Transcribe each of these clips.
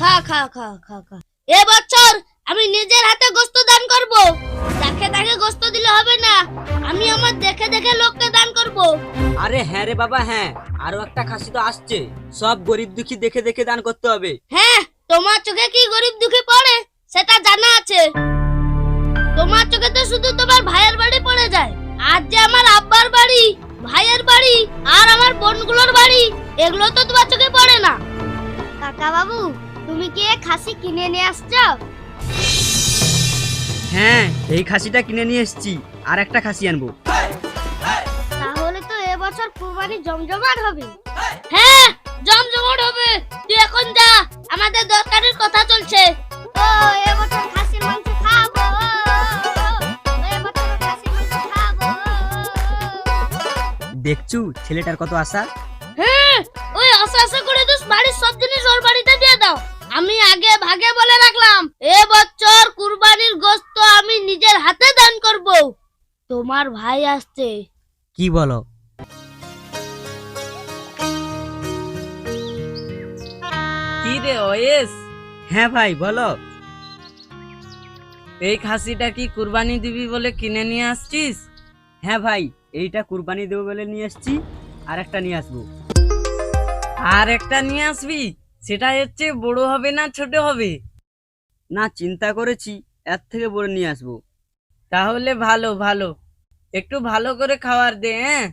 খা খা খা খা খা। এবছর আমি নিজের হাতে গোশত দান করব। দেখে দেখে গোশত দিলে হবে না, আমি আমার দেখে দেখে লোককে দান করব। আরে হ্যাঁ রে বাবা, হ্যাঁ, আরো একটা খাসি তো আসছে। সব গরিব দুঃখী দেখে দেখে দান করতে হবে। হ্যাঁ, তোমার চোখে কি গরিব দুঃখী পড়ে সেটা জানা আছে। তোমার চোখে তো শুধু তোমার ভাইয়ের বাড়ি পড়ে যায়। আর যে আমার আব্বার বাড়ি, ভাইয়ের বাড়ি আর আমার বোনগুলোর বাড়ি, এগুলো তো তোমার চোখে পড়ে না। কাকা বাবু, তুমি কি খাসি কিনে নিয়ে আসছো? হ্যাঁ, এই খাসিটা কিনে নিয়ে এসেছি, আর একটা খাসি আনবো। তাহলে তো এবছর কুরবানি জমজমাট হবে। হ্যাঁ, জমজমাট হবে। তুই এখন যা, আমাদের দরকারের কথা চলছে। ও এবছর খাসির মাংস খাবো, এবছর খাসির মাংস খাবো। দেখছু ছেলেটার কত আশা। হ্যাঁ, ওই আশা আশা করে তো বাড়ির সব জিনিস ওর বাড়িতে দিয়ে দাও। আমি আগে ভাগে বলে রাখলাম, এবছর কুরবানির গোশত আমি নিজের হাতে দান করব। তোমার ভাই আসছে। কি বলো? কি রে ওয়েস, হ্যাঁ ভাই বলো। এই খাসিটা কি কুরবানি দিবি বলে কিনে নিয়ে আসছিস? হ্যাঁ ভাই, এইটা কুরবানি দেবো বলে নিয়ে এসেছি, আর একটা নিয়ে আসবো। আর একটা নিয়ে আসবি? সেটা হচ্ছে বড় হবে না ছোট হবে? না, চিন্তা করেছি এর থেকে বড় নিয়ে আসবো। তাহলে ভালো ভালো, একটু ভালো করে খাবার দে। হ্যাঁ,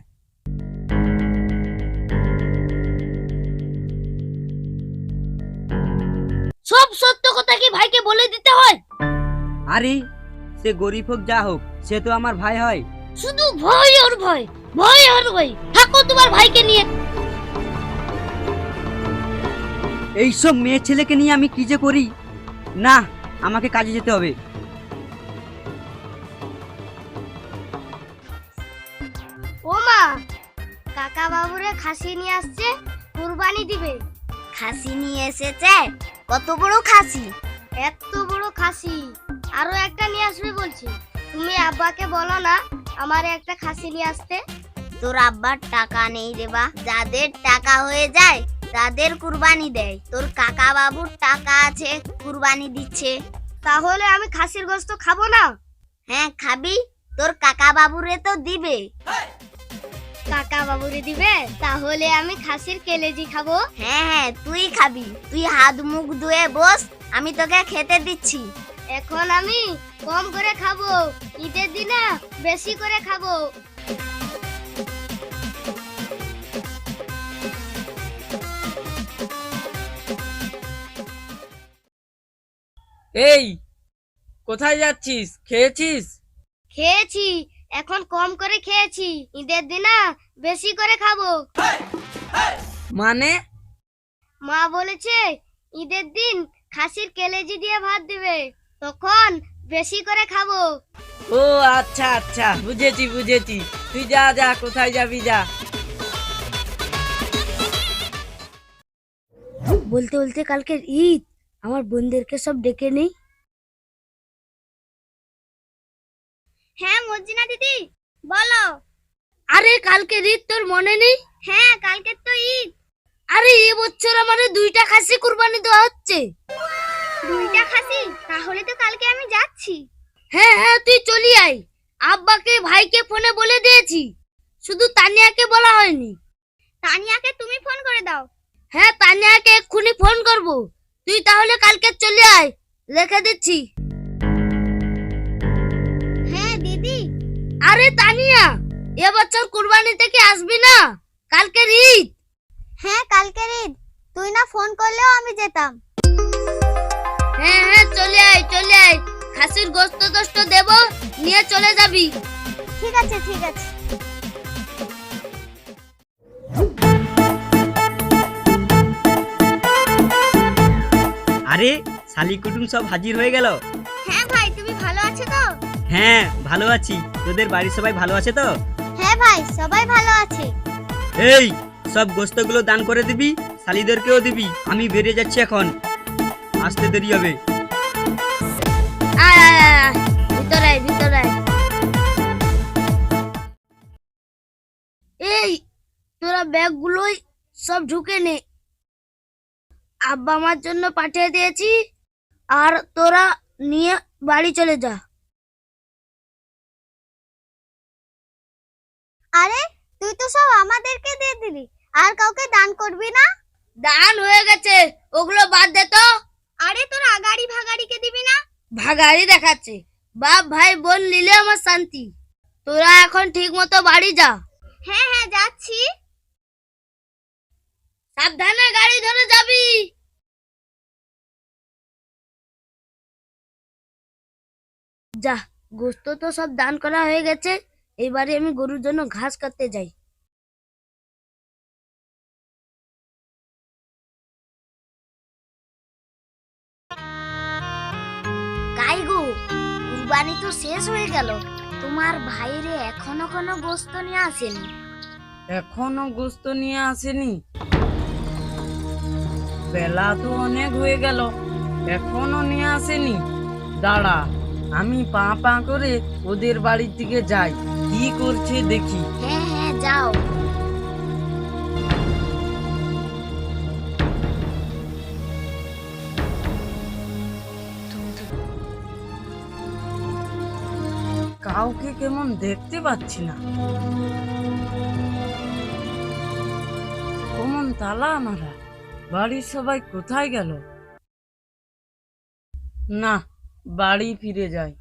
সব সত্য কথা কি ভাইকে বলে দিতে হয়? আরে সে গরিব হোক যা হোক, সে তো আমার ভাই হয়। শুধু ভয় আর ভয়, ভয় আর ভয়। থাকো তোমার ভাইকে নিয়ে। এইসব মেয়ে ছেলেকে নিয়ে আমি কি যে করি। না, আমাকে কাজে যেতে হবে। ও মা, কাকা বাবুরে খাসি নিয়ে আসছে, কুরবানি দিবে। খাসি নিয়ে এসেছে? কত বড় খাসি? এত বড় খাসি। আরো একটা নিয়ে আসবে বলছি। তুমি আব্বাকে বলো না আমারে একটা খাসি নিয়ে আসতে। তোর আব্বার টাকা নেই রে বা, যাদের টাকা হয়ে যায় তাদের কুরবানি দেয়। তোর কাকা বাবুর টাকা আছে, কুরবানি দিচ্ছে। তাহলে আমি খাসির গোশত খাবো না? হ্যাঁ খাবি, তোর কাকা বাবুরে তো দিবে। কাকা বাবুরে দিবে? তাহলে আমি খাসির কেলেজি খাবো। হ্যাঁ হ্যাঁ তুই খাবি, তুই হাত মুখ ধুয়ে বস, আমি তোকে খেতে দিচ্ছি। এখন আমি কম করে খাবো, ঈদের দিনে বেশি করে খাবো। এই কোথায় যাচ্ছিস? খেয়েছিস? খেয়েছি, এখন কম করে খেয়েছি, ঈদের দিনে বেশি করে খাবো। মানে? মা বলেছে ঈদের দিন খাসির কেলেজি দিয়ে ভাত দিবে, তখন বেশি করে খাবো। ও আচ্ছা আচ্ছা, বুঝেছি বুঝেছি। তুই যা যা, কোথায় যাবি যা। বলতে বলতে কালকের ঈদ, আমার বোনদেরকে সব ডেকে নেই। হ্যাঁ মর্জিনা দিদি বলো। আরে কালকের ঈদ তোর মনে নেই? হ্যাঁ কালকে তো ঈদ। আরে এবছর আমাদের 2টা খাসি কুরবানি দেওয়া হচ্ছে। 2টা খাসি? তাহলে তো কালকে আমি যাচ্ছি। হ্যাঁ হ্যাঁ, তুই চলি আয়। আব্বাকে ভাইকে ফোনে বলে দিয়েছি, শুধু তানিয়াকে বলা হয়নি। তানিয়াকে তুমি ফোন করে দাও। হ্যাঁ, তানিয়াকে এক্ষুনি ফোন করব। তুই তাহলে কালকে চলে আয়, রেখে দিচ্ছি। হ্যাঁ দিদি। আরে তানিয়া, এবছর কুরবানি থেকে আসবি না? কালকের ঈদ। হ্যাঁ কালকের ঈদ, তুই না ফোন করলেও আমি যেতাম। হ্যাঁ হ্যাঁ, চলে আয় চলে আয়। খাসির গোশত টোস্ত দেব, নিয়ে চলে যাবি। ঠিক আছে ঠিক আছে। আরে শালি কুটুম সব হাজির হয়ে গেল। হ্যাঁ ভাই, তুমি ভালো আছো তো? হ্যাঁ ভালো আছি, তোদের বাড়ির সবাই ভালো আছে তো? হ্যাঁ ভাই, সবাই ভালো আছে। এই সব গোস্তগুলো দান করে দিবি, শালিদেরকেও দিবি। আমি বেরিয়ে যাচ্ছি এখন, আসতে দেরি হবে। আয় আয় আয় আয়, ভিতরে আয় ভিতরে আয়। এই তোরা ব্যাগগুলোই সব ঢুকে নে। আব্বা আমার জন্য পাঠিয়ে দিয়েছি, আর তোরা নিয়ে বাড়ি চলে যা। আরে তুই তো সব আমাদেরকে দিয়ে দিলি, আর কাউকে দান করবি না? দান হয়ে গেছে, ওগুলো বাদ দে তো। আরে তোর আগাড়ি ভাগাড়িকে দিবি না? ভাগাড়ি দেখাচ্ছে, বাপ ভাই বোন নিলে আমার শান্তি। তোরা এখন ঠিক মতো বাড়ি যা। হ্যাঁ হ্যাঁ যাচ্ছি। সাবধানে গাড়ি ধরে যাবি। যা, গোস্ত তো সব দান করা হয়ে গেছে, এবারে আমি গরুর জন্য ঘাস কাটতে যাই। গাই গো, কুরবানি তো শেষ হয়ে গেল, তোমার ভাইরে এখনো কোনো গোস্ত নিয়ে আসেনি? এখনো গোস্ত নিয়ে আসেনি? বেলা তো অনেক হয়ে গেল, এখনো নিয়ে আসেনি। দাঁড়া, আমি পা পা করে ওদের বাড়ির দিকে যাই, কি করছে দেখি। হ্যাঁ হ্যাঁ যাও। কাউকে কেমন দেখতে পাচ্ছি না। কেমন তালা মারা, বাড়ির সবাই কোথায় গেল? না, বাড়ি ফিরে যাই।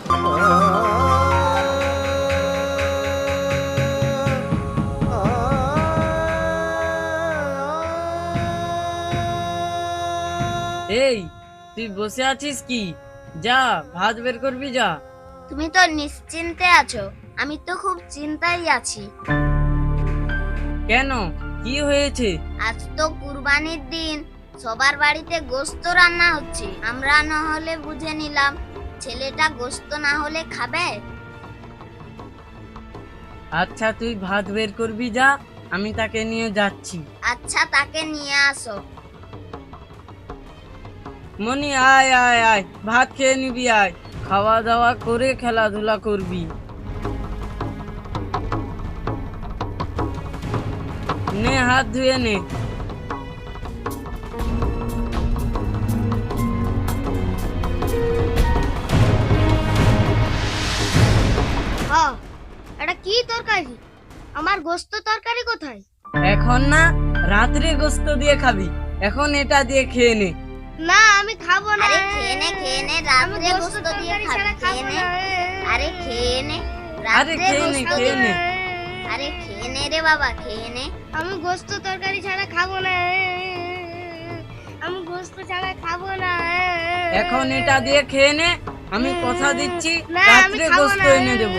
এই, তুই বসে আছিস কি? যা, ভাত বের করবি যা। তুমি তো নিশ্চিন্তে আছো, আমি তো খুব চিন্তায় আছি। কেন, কি হয়েছে? আজ তো কুরবানির দিন, সবার বাড়িতে গোস্ত রান্না হচ্ছে। আমরা না হলে বুঝে নিলাম ছেলেটা গোস্ত না হলে খাবে। আচ্ছা, তুই ভাত বের করবি যা, আমি তাকে নিয়ে যাচ্ছি। আচ্ছা, তাকে নিয়ে আসো। মনি, আয় আয় আয়, ভাত খেয়ে নিবি, আয়। খাওয়া দাওয়া করে খেলাধুলা করবি। নে, হাত ধুয়ে নে। হ্যাঁ, এটা কি তরকারি? আমার গোস্ত তরকারি কোথায়? এখন না, রাত্রে গোস্ত দিয়ে খাবি, এখন এটা দিয়ে খেয়ে নে। না, আমি খাবো না। আরে খেয়ে নে, খেয়ে নে, রাত্রে গোস্ত দিয়ে খাবি, খেয়ে নে। আরে খেয়ে নে, আরে রাত্রে খেয়ে নে, গোস্ত খেয়ে নে। আরে খেয়ে নে রে বাবা, খেয়ে নে। আমি গোস্ত তরকারি ছাড়া খাবো না। আমি গোস্ত ছাড়া খাবো না। এখন এটা দিয়ে খেয়ে নে, আমি কথা দিচ্ছি না, আমি রাত্রে খাবো গোস্ত না। এনে দেবো।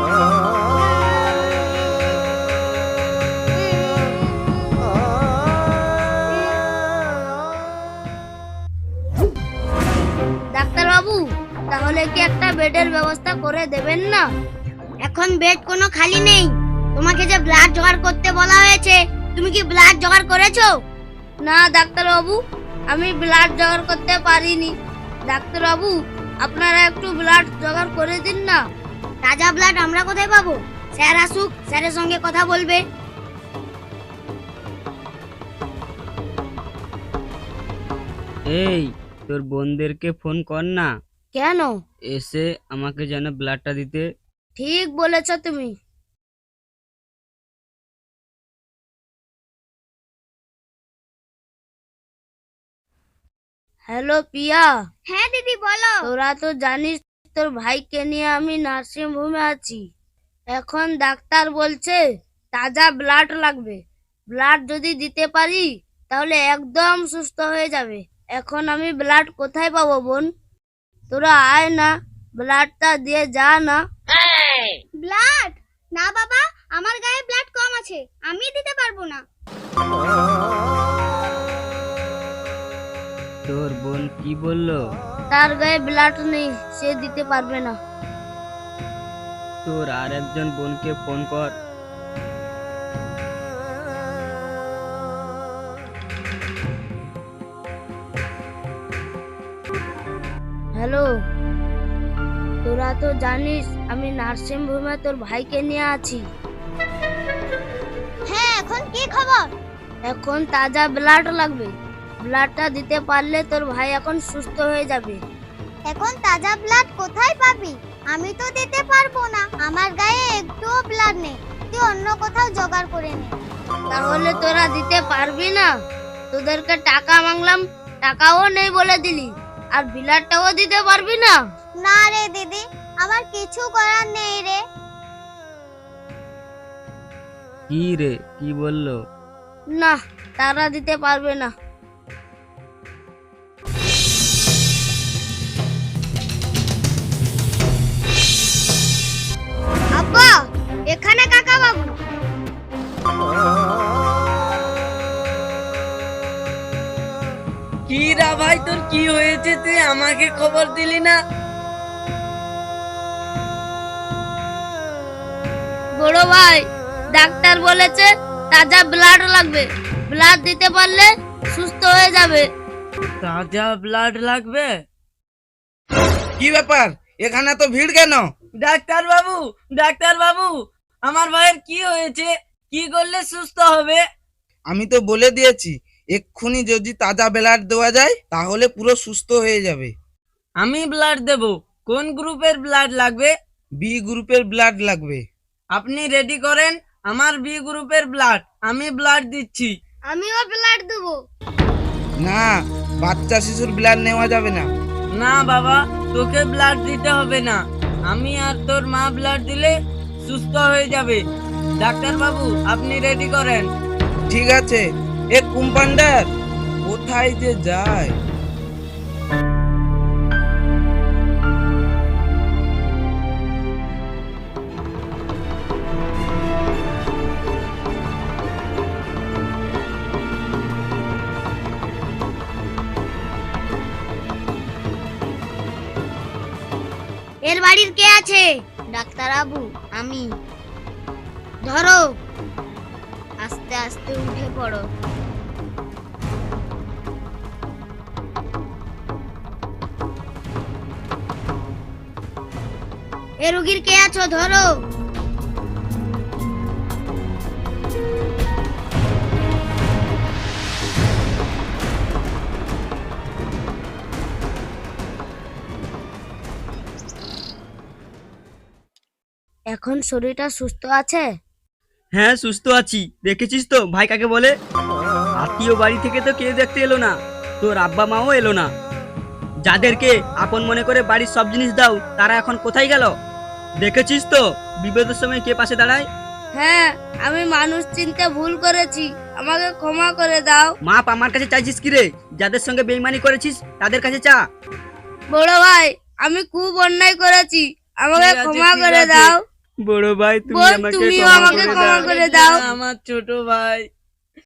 ডাক্তার বাবু, তাহলে কি একটা বেডের ব্যবস্থা করে দেবেন না? এখন বেড কোনো খালি নেই। তোমাকে যে ব্লাড জোগাড় করতে বলা হয়েছে, তুমি কি ব্লাড জোগাড় করেছো? না ডাক্তার বাবু, আমি ব্লাড জোগাড় করতে পারিনি। ডাক্তার বাবু, আপনারা একটু ব্লাড জোগাড় করে দিন না। তাজা ব্লাড আমরা কোথায় পাবো? স্যার আসুক, স্যারের সঙ্গে কথা বলবে। এই, তোর বোনদেরকে ফোন কর না, কেন? এসে আমাকে যেন ব্লাডটা দিতে। ঠিক বলেছ তুমি। হ্যালো পিয়া। হ্যাঁ দিদি বলো। তোরা তো জানিস তোর ভাইকে নিয়ে আমি নার্সিং হোমে আছি। এখন ডাক্তার বলছে তাজা ব্লাড লাগবে। ব্লাড যদি দিতে পারি তাহলে একদম সুস্থ হয়ে যাবে। এখন আমি ব্লাড কোথায় পাবো বোন? তোরা আয় না, ব্লাডটা দিয়ে যা না। ব্লাড? না বাবা, আমার গায়ে ব্লাড কম আছে, আমি দিতে পারবো না। তোর বোন কি বললো? তার গায়ে ব্লাড নেই, সে দিতে পারবে না। তোর আর একজন বোনকে ফোন কর। হ্যালো, তোরা তো জানিস আমি নার্সিং হোমে তোর ভাইকে নিয়ে আছি। হ্যাঁ, এখন কি খবর? এখন তাজা ব্লাড লাগবে। ব্লাডটা দিতে পারলে তোর ভাই এখন সুস্থ হয়ে যাবে। এখন তাজা ব্লাড কোথায় পাবি? আমি তো দিতে পারবো না, আমার গায়ে একটুও ব্লাড নেই। তুই অন্য কোথাও জোগাড় করে নে। তাহলে তোরা দিতে পারবি না? তোদেরকে টাকা মাংলাম, টাকাও নেই বলে দিলি, আর ব্লাডটাও দিতে পারবি না? না রে দিদি, আমার কিছু করার নেই রে। কি রে, কি বললো? না, তারা দিতে পারবে না। আব্বা, এখানে কাকা বাবু। কি রা ভাই, তোর কি হয়েছে? তুই আমাকে খবর দিলি না? বড় ভাই, ডাক্তার বলেছে তাজা ব্লাড লাগবে, ব্লাড দিতে পারলে সুস্থ হয়ে যাবে। তাজা ব্লাড লাগবে? কি ব্যাপার, এখানে তো ভিড় কেন? ডাক্তার বাবু, ডাক্তার বাবু, আমার ভাইয়ের কি হয়েছে? কি করলে সুস্থ হবে? আমি তো বলে দিয়েছি, এক্ষুনি যদি তাজা ব্লাড দেওয়া যায় তাহলে পুরো সুস্থ হয়ে যাবে। আমি ব্লাড দেব। কোন গ্রুপের ব্লাড লাগবে? বি গ্রুপের ব্লাড লাগবে। আপনি রেডি করেন, আমার বি গ্রুপের ব্লাড। আমি ব্লাড দিচ্ছি। আমিও ব্লাড দেবো। না, বাচ্চা শিশুর ব্লাড নেওয়া যাবে না। না বাবা, তোকে ব্লাড দিতে হবে না। আমি আর তোর মা ব্লাড দিলে সুস্থ হয়ে যাবে। ডাক্তার বাবু, আপনি রেডি করেন। ঠিক আছে, এ কম্পাউন্ডার কোথায় যে যায়? এর বাড়ির কে আছে? ডাক্তার বাবু, আমি। ধরো। আস্তে আস্তে উঠে পড়ো। এ রোগীর কে আছো? ধরো। এখন শরীরটা সুস্থ আছে? হ্যাঁ, সুস্থ আছি। দেখেছিস তো ভাই কাকে বলে? আত্মীয় বাড়ি থেকে তো কেউ দেখতে এলো না, তোর আব্বা মাও এলো না। যাদেরকে আপন মনে করে বাড়ির সব জিনিস দাও, তারা এখন কোথায় গেল? দেখেছিস তো বিপদের সময় কে পাশে দাঁড়ায়? হ্যাঁ, আমি মানুষ চিনতে ভুল করেছি, আমাকে ক্ষমা করে দাও। মাপ আমার কাছে চাইছিস কি রে? যাদের সঙ্গে বেইমানি করেছিস তাদের কাছে চা। বড় ভাই, আমি খুব অন্যায় করেছি, আমাকে ঠিক আছে, ক্ষমা ঠিক করে আছে। দাও। বড় ভাই, তুমি বোন, আমাকে তুমিও ক্ষমা আমাকে করে ক্ষমা দাও। করে দাও। আমার ছোট ভাই।